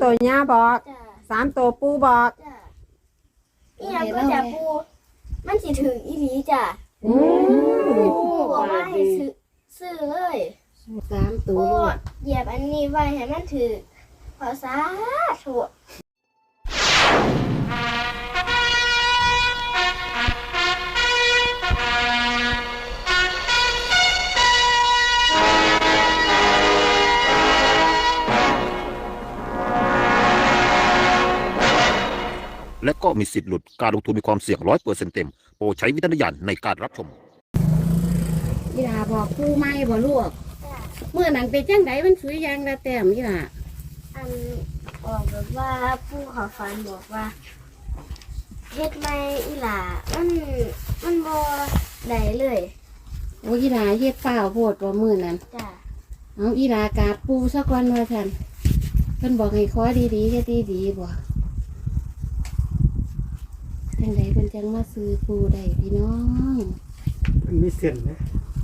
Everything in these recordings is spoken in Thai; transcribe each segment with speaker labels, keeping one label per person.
Speaker 1: ตัวย่าบอก
Speaker 2: จ้ะ
Speaker 1: 3ตัวปูบอก
Speaker 2: จ้ะอีหยังก็จะปูมันสิถึงอีหลีจ้ะ
Speaker 1: อืม
Speaker 2: ปูบอกว่าให้ซื้อเลย
Speaker 3: 3 ตัว
Speaker 2: ปู
Speaker 3: ลูก
Speaker 2: เหยียบอันนี้ไว้ให้มันถือขอสาธุ
Speaker 4: และก็มีสิทธิ์หลุดการลงทุนมีความเสี่ยง100%เต็มโปรดใช้วิจารณญาณในการรับชม
Speaker 3: อีหลาบอกปูไหมบ่ลูก
Speaker 2: จ้ะ
Speaker 3: เมื่อนั้นเป็นจังไดมันสวยอย่างละแต้มอีหลา
Speaker 2: อันบอกแบบว่าผู้เขอฝันบอกว่าเฮ็ดไม่อีหล่ามันบ่ได้เลย
Speaker 3: โอ้อีหลาเฮ็ดเปล่าโพดบ่มื้อนั้น
Speaker 2: จ้ะ
Speaker 3: เอาอีหลากราบปูซะก่อนว่าซั่นเพิ่นบอกให้ขอดีๆเฮ็ดดีๆบ่จังไดเพิ่นจังมาซื้อปูได้พี่น้อง
Speaker 5: มันมีเส้นนะ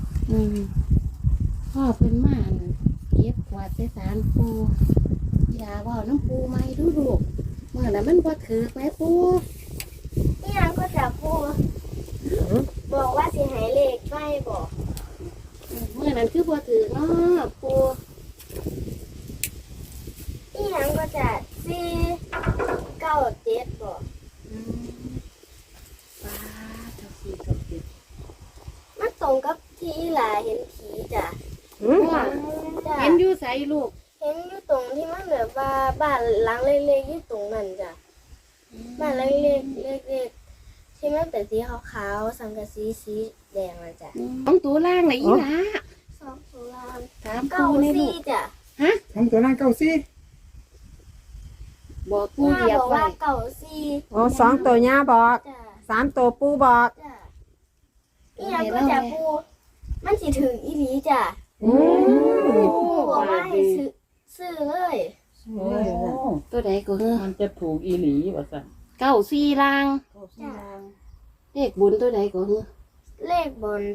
Speaker 3: พ่อเพิ่นมาอั่นเก็บกวาดใส่ศาลปูอีหลาเว้าน้ำปูไหมดูลูกเมื่อนั้นมันบ่ถือไหมปู
Speaker 2: อีหยังก็จะพูดบอกว่าสิให้เลขไม่บอก
Speaker 3: เมื่อนั้นคือบ่ถือเนาะปู
Speaker 2: อีหยังก็จะ497บอก
Speaker 3: ป้าเจ้าสีกับเด็ก
Speaker 2: มันตรงกับที่อีหล่าเห็นผีจ้ะ
Speaker 3: ว่า
Speaker 2: จ้ะ
Speaker 3: เห็นอยู่ใสลูก
Speaker 2: เห็นอยู่ตรงที่มันแบบว่าบ้านหลังเล็กๆอยู่ตรงนั้นจ้ะบ้านเล็กๆเล็กๆที่มันเป็นสีขาวๆสังกะสีแดงนะจ้ะ
Speaker 3: ต้องตัวล่างเลยอีหลา
Speaker 2: สองตุลา
Speaker 3: ถาม
Speaker 2: เก้า
Speaker 3: ปูในลู
Speaker 2: สี่
Speaker 3: ก
Speaker 2: จ้ะ
Speaker 3: ฮะ
Speaker 5: ทำตัวนั่งเก้าซี่
Speaker 3: บอกปู
Speaker 2: ย่า
Speaker 3: เหยีย
Speaker 2: บบ อก
Speaker 3: ไว้
Speaker 2: ว่าเก้าสี่
Speaker 1: โอ้2ตัวย่าบอก
Speaker 2: จ้ะ
Speaker 1: 3ตัวปูบอก
Speaker 2: จ้ะอีหยังก็จะปูมันสิถึงอีหลีจ้ะ
Speaker 1: อืม
Speaker 2: ปูบอกว่าให้ซื้อเลย
Speaker 6: โอ้
Speaker 3: ตัวใดก็เฮ้อ
Speaker 6: มันจะถูกอีหลีว่าสั่น
Speaker 3: 94ล่าง
Speaker 2: จ้ะ
Speaker 3: เลขบุญตัวใดก็เฮ้อ
Speaker 2: เลขบน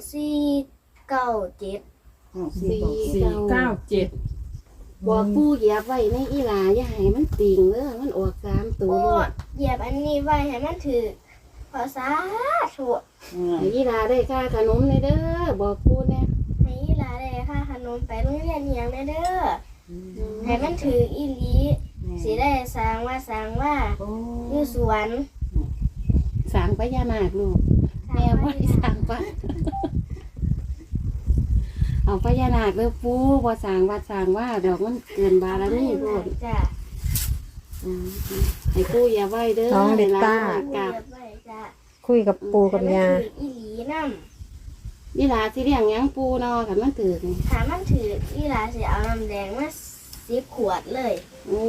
Speaker 2: 497
Speaker 6: 497
Speaker 3: บอกปูเหยียบไว้ในอีหลาอย่าให้มันติ่งเด้อมันออก3ตัว
Speaker 2: ปู
Speaker 3: ลูก
Speaker 2: เหยียบอันนี้ไว้ให้มันถือขอสาธุ
Speaker 3: ให้อีหลาได้ค่าขนมเลยเด้อบอกปูแน่
Speaker 2: ให้อีหลาได้ค่าขนมไปโรงเรียนเฮียงได้เด้อให้มันถืออีหลีสิได้สร้างว่าอยู่สวน
Speaker 3: สร้างพญานาคลูกแม่บ่ได้สร้างปะเอาพญานาคเด้อปูบ่สร้างวัดสร้างว่าดอกมันเกินบารมีโพด
Speaker 2: จ้ะ
Speaker 3: ให้ปูอย่าไว้เด้อ
Speaker 1: น้องลิต้า
Speaker 3: กับ
Speaker 2: เรียบร้อยจ้ะ
Speaker 1: คุยกับปูกับย่า
Speaker 2: ให้มันถืออีหลีนำ
Speaker 3: อีหลาสิเลี้ยงหยังปูเนาะคันมันถือนี่
Speaker 2: ถ้ามันถืออีหลาสิเอาน้ำแดงมา10 ขวดเลย
Speaker 3: โอ้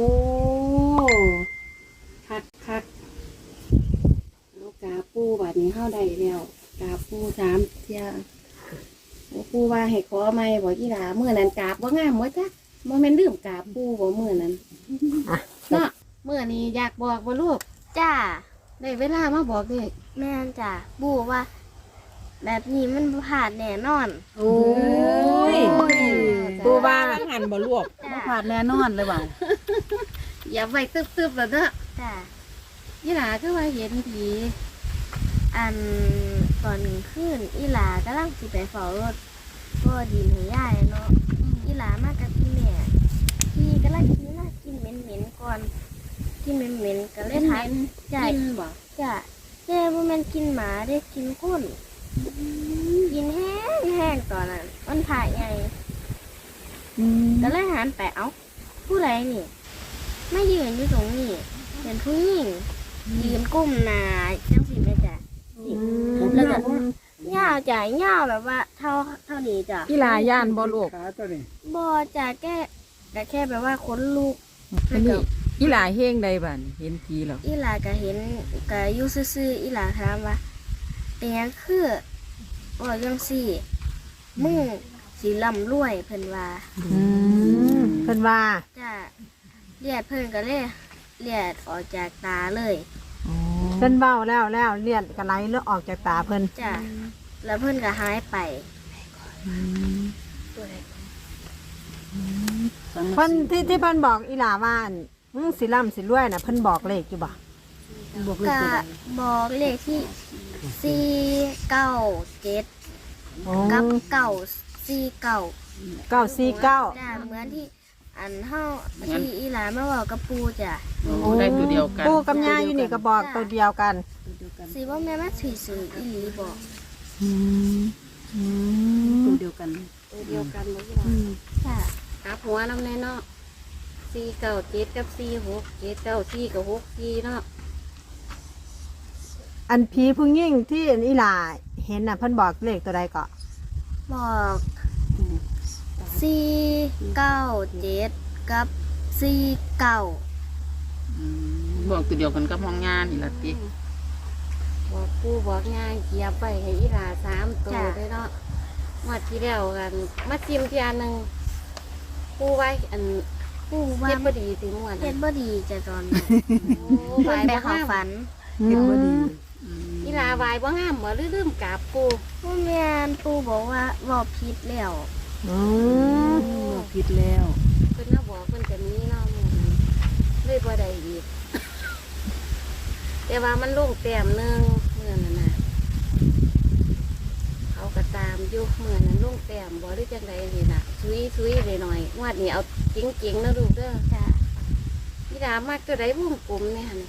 Speaker 3: คักลูกกาปูบัดนี้เฮาได้แล้วกาปู3เที่ยโอ้ปูว่าให้ขอใหม่บ่อีหลามื้อนั้นกราบบ่งามบ่จ๊ะบ่แม่นลืมกราบปูบ่มื้อนั้นเนาะมื้อนี้อยากบอกบ่ลูก
Speaker 2: จ้า
Speaker 3: ได้เวลามาบอกเด้อ
Speaker 2: แม่นจ้ะบูว่า แบบนี้มันบ่ผ่านแน่นอน
Speaker 3: โอ้ย
Speaker 1: ปูว่า
Speaker 6: หันบ่ลวก
Speaker 2: จ้ะ
Speaker 6: บ่ผ่านแน่นอนเลยว่า
Speaker 3: อย่าไว้ตึบๆแล้วเด้อ
Speaker 2: จ้ะ
Speaker 3: อีหลาคือว่าเห็นผี
Speaker 2: อันตอนคืนอีหลากำลังสิไปเฝ้ารถพ่อดินให้ยายเนาะอีหลามากับพี่แม่พี่กำลังกินน่ากินเหม็นๆก่อนกินเหม็นๆก็เลยถามจ้ะ
Speaker 3: กินบ่
Speaker 2: จ้ะแม่บ่แม่นกินหมาได้กินคนกินแห้งๆตอนนั้นมันผ่าใหญ่ก็เลยหันไปเอ้าผู้ใดนี่ไม่ยืนอยู่ตรงนี้เป็นผู้หญิงยืนก้มหน้าจังสิแม่จ้ะ แล้วก็ย่าวจ่ายย่าวแบบว่าเท่านี้จ้ะ
Speaker 6: อีหลาย่านบ่ลูก
Speaker 5: ขาตัวนี้
Speaker 2: บอจ่าแค่แบบว่าขนลูก
Speaker 6: อันนี้อีหลาเฮงใดบัดเห็นผีแล้ว
Speaker 2: อีหลาก็เห็นก็อยู่ซื่อๆอีหลาถามว่าเป็นหยังคือว่าจังซี่มึงสิร่ำรวยเพิ่นว่า
Speaker 1: เพิ่นว่า
Speaker 2: จ้ะเลือดเพิ่นก็เลยเลือดออกจากตาเลย
Speaker 1: เพิ่นเบ้าแล้วเลือดก็ไหลเลือดออกจากตาเพิ่น
Speaker 2: จ้ะแล้วเพิ่นก็หายไป
Speaker 1: เพิ่นที่เพิ่นบอกอีหลาว่าอั่นสิร่ำสิรวยน่ะเพิ่นบอกเลขอยู่บ่บอกเลข
Speaker 2: ก็
Speaker 1: ตัวใด
Speaker 2: บอกเลขที่497
Speaker 1: อ๋อ
Speaker 2: กับ949
Speaker 1: 949
Speaker 2: จ้ะเหมือนที่อันเฮาที่อีหลามาบอกกับปูจ้ะ
Speaker 6: ได้ตัวเดียวกัน
Speaker 1: ปู่กับย่าอยู่นี่ก็บอกตัวเดียวกัน
Speaker 2: สิว่าแม่มาถือสื่ออีหลีบอก
Speaker 7: ตัวเดียวกัน
Speaker 3: ตัวเดียวกันบ่ที่ว่า
Speaker 2: จ้ะ
Speaker 3: กลับหัวน้ำแน่เนาะ497กับ46 794กับ64เนาะ
Speaker 1: อันผีผู้หญิงที่อันอีหลาเห็นน่ะเพิ่นบอกเลขตัวใดก็
Speaker 2: บอก497กับ49
Speaker 6: บอกตัวเดียวกันกับห้องงานนี่ล่ะติ
Speaker 3: บอกปู่บอกย่าเกียบไปให้อีหลา3ตัวได้เนาะงวดที่แล้วกันมาจิ้มเที่ยหนึงปู่ไว้อัน
Speaker 2: ปูว่า
Speaker 3: เฮ็ดบ่ดีสิม่วน
Speaker 2: เฮ็ดบ่ดีจ้ะตอนนี้
Speaker 3: โอ้
Speaker 2: เพิ่นไปเข้าฝัน
Speaker 1: เห็นบ่ดี
Speaker 3: อีหลาไหวบ่งามบ่ลืมกราบปู่
Speaker 2: ผู้แม่นปูบอกว่าบอกผิดแล้ว
Speaker 1: อืม
Speaker 7: ผิดแล้ว
Speaker 3: เพิ่นน่ะบอกเพิ่นจะมีเนาะมื้อนั้นเลยบ่ได้อีก แต่ว่ามันลงแต้มหนึงมื้อนั้นน่ะเขาก็ตามอยู่มื้อนั้นลงแต้มบ่หรือจังไดนี่น่ะซุยๆหน่อยๆงวดนี้เอาจริงๆนะลูกเด้อ
Speaker 2: จ้ะ
Speaker 3: อีหลามักตัวใดวงกลมเนี่ยหั่นน่ะ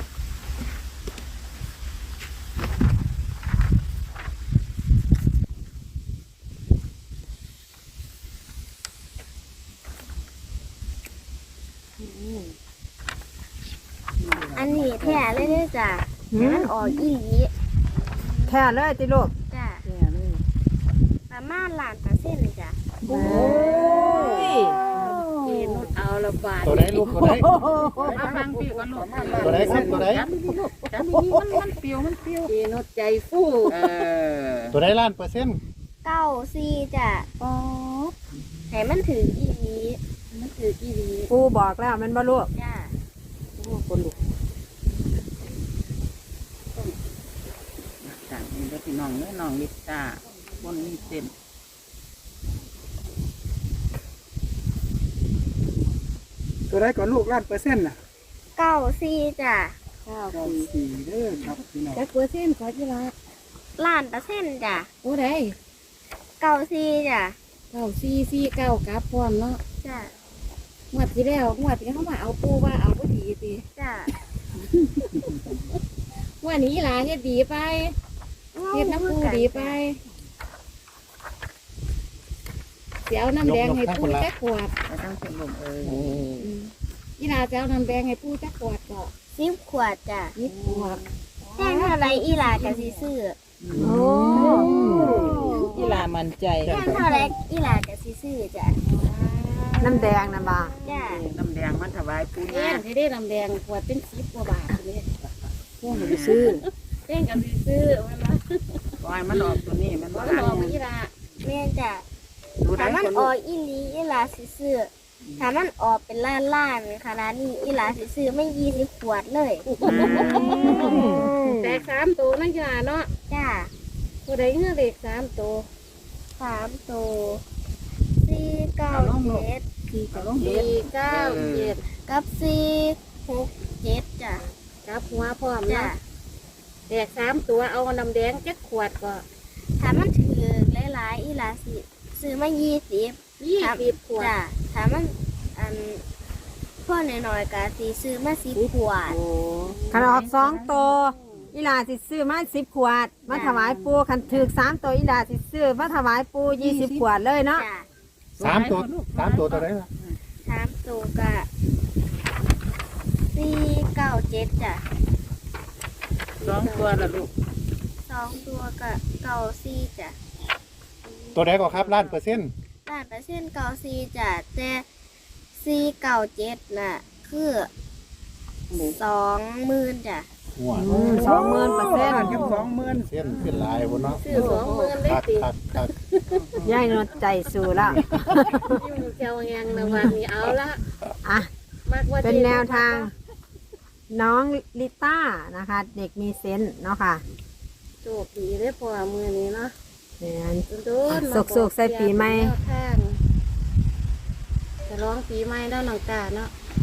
Speaker 2: อันนี้แท้เลยเด้อจ้ะ
Speaker 1: หื
Speaker 2: แต่
Speaker 1: ม
Speaker 2: มันออกอีหลี
Speaker 1: แค่เลยติลูก
Speaker 2: จ้ะ
Speaker 7: แย่เลย
Speaker 2: ประมาณ1,000%จ้ะ
Speaker 1: โอ้ย
Speaker 3: เอ็นุดเอาละบาท
Speaker 5: ตัวไหนลูกตัวไหน
Speaker 6: เอาฟังพี่ก่อนลูก
Speaker 5: ตัวไหนครับตัวไหน
Speaker 6: จับดีๆลูกจับดีๆมันเปรียวมันเปรียว
Speaker 3: เอ็นุดใจฟู่
Speaker 6: เออ
Speaker 5: ตัวไหนล้านเปอร์เซ็นต์
Speaker 2: 94จ้ะ
Speaker 7: ป๊อด
Speaker 2: ให้มันถืออีหลี
Speaker 3: มันคือกี่ดี
Speaker 1: ปู่บอกแล้วแมันบ่ลูก
Speaker 2: จ้ะ
Speaker 7: โอ้คนลุก
Speaker 6: จากนี้ก็พี่น้องเนื้อน้องลิตาบนนี้เส้น
Speaker 5: ตัวไหนก่อนลูกล้านเปอร์เซ็นต์น่ะ
Speaker 2: 94จ้ะ
Speaker 5: 94เด้อครับพี่น้อง
Speaker 7: จักเปอร์เซ็นต์ขอจีละ
Speaker 2: 1,000,000%จ้ะ
Speaker 7: โอ้ได้
Speaker 2: 94จ้ะ
Speaker 7: 9449กลับพร้อมเนาะ
Speaker 2: จ้ะ
Speaker 7: งวดที่แล้วงวดที่เขามาเอาปูว่าเอาบ่ดีติ
Speaker 2: จ้ะ
Speaker 7: งวดนี้อีหลาเฮ็ดดีไปเฮ็ดน้ำปูดีไปเสียวน้ำแดงให้ปูจักขวด
Speaker 6: ไปตั้งเส้นลม
Speaker 7: อีหลาจะเอาน้ำแดงให้ปูจักขวดก็
Speaker 2: 10 ขวดจ้ะ
Speaker 7: นิดขวด
Speaker 2: แจ้งเท่าไรอีหลาก็สิซื้อ
Speaker 1: โอ้
Speaker 6: กีฬามันใจ
Speaker 2: แจ้งเท่าไรอีหลาก็สิซื้อจ้ะ
Speaker 1: น้ำแดงน่ะบ่
Speaker 2: จ้ะ
Speaker 6: น้ำแดงมันถวายปู
Speaker 3: แย่
Speaker 6: ย่าง
Speaker 3: ที่ได้ลำแดงขวดเป็น10 กว่าบาทเลย
Speaker 7: พวกมันไปซื้อ
Speaker 3: แย่งกันซื้อมันมา
Speaker 6: ปล่อยมันออกตัวนี้มัน
Speaker 3: บ่
Speaker 6: บ่
Speaker 3: ห
Speaker 6: ได้
Speaker 3: อมอีหลา
Speaker 2: แม่นจ้ะ
Speaker 6: ดูได้
Speaker 2: ถ้ามัน
Speaker 6: คน
Speaker 2: อ
Speaker 6: ลู
Speaker 2: อก กอีหลีอีหลาสิซื้อถ้ามันออกเป็นล้านๆขนาดนี้อีหลาสิซื้อไม่20 ขวดเลย
Speaker 3: แตก3ตัวนะอีหลาเนาะ
Speaker 2: จ้ะ
Speaker 3: ผู้ใดเฮือเลข3ตัว
Speaker 2: 3ตัว497
Speaker 6: เอาลงเฮ็ด
Speaker 3: 497
Speaker 2: กับ467จ้ะ
Speaker 3: กับหัวพร้อม
Speaker 2: จ้ะ
Speaker 3: เนาะแตก3ตัวเอาน้ำแดงจักขวดก็
Speaker 2: ถ้ามันถือหลายๆอีหลาสิซื้อมา20
Speaker 3: 20ขวด
Speaker 2: จ้ะถ้ามันอันพ่อน้อยๆก็สิซื้อมา10 ขวด
Speaker 6: โอ้
Speaker 1: คันออก2ตัวอีหลาสิซื้อมา10 ขวด มาถวายปู่คันถูก3ตัวอีหลาสิซื้อมาถวายปู่20 ขวดเลยเนาะ
Speaker 2: จ้ะ
Speaker 5: 3ตัวตัวไหนล่ะ
Speaker 2: 3ตัวก็497จ้ะ
Speaker 6: 2ตัวละลูก
Speaker 2: 2ตัวก็94จ้ะ
Speaker 5: ตัวไหนก่อนครับล้านเปอร์เซ็นต์
Speaker 2: 100%94จ้ะแต่497น่ะคือ20,000จ้ะ
Speaker 5: หัว
Speaker 1: 20,000%
Speaker 5: ล้านกับ20,000เส้นขึ้นหลายบ่เนาะ
Speaker 3: ซื้อ20,000ได้
Speaker 5: คัก
Speaker 3: ติ
Speaker 5: คัก
Speaker 1: ยายนวดใจสู้แล้ว
Speaker 3: อยู่เจ้าแงงนะวันนี้เอาละ
Speaker 1: อ่ะ
Speaker 3: มากว่า
Speaker 1: เป็นแนวทาง น้องลิต้านะคะ เด็กมีเซนส์เนาะค่ะ
Speaker 3: โชคดีได้พอมือนี้เนาะ
Speaker 1: เนี่ย
Speaker 3: โดนๆมาบอก
Speaker 1: สุกๆใส่ปีใหม่
Speaker 3: แนวทางจะร้องปีใหม่แล้วน้องตาเนาะ